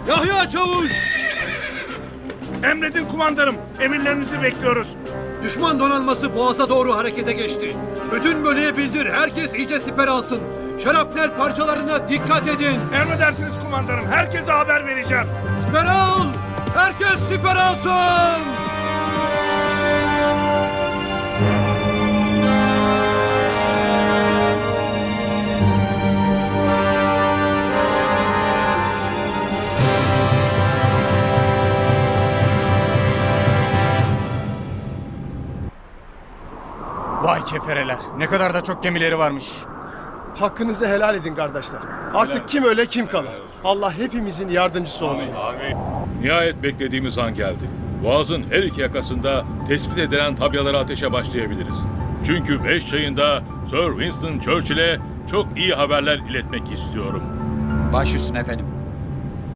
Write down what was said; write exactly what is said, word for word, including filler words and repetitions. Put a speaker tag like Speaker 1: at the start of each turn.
Speaker 1: Yahya Çavuş!
Speaker 2: Emredin kumandanım. Emirlerinizi bekliyoruz.
Speaker 1: Düşman donanması Boğaz'a doğru harekete geçti. Bütün bölüye bildir, herkes iyice siper alsın. Şarapnel parçalarına dikkat edin.
Speaker 2: Emredersiniz kumandanım. Herkese haber vereceğim.
Speaker 1: Siper al! Herkes siper alsın!
Speaker 3: Vay kefereler. Ne kadar da çok gemileri varmış.
Speaker 4: Hakkınızı helal edin kardeşler. Artık kim öle kim kalır. Allah hepimizin yardımcısı olsun.
Speaker 5: Nihayet beklediğimiz an geldi. Boğaz'ın her iki yakasında tespit edilen tabyalara ateşe başlayabiliriz. Çünkü beş çayında Sir Winston Churchill'e çok iyi haberler iletmek istiyorum.
Speaker 3: Baş üstüne efendim.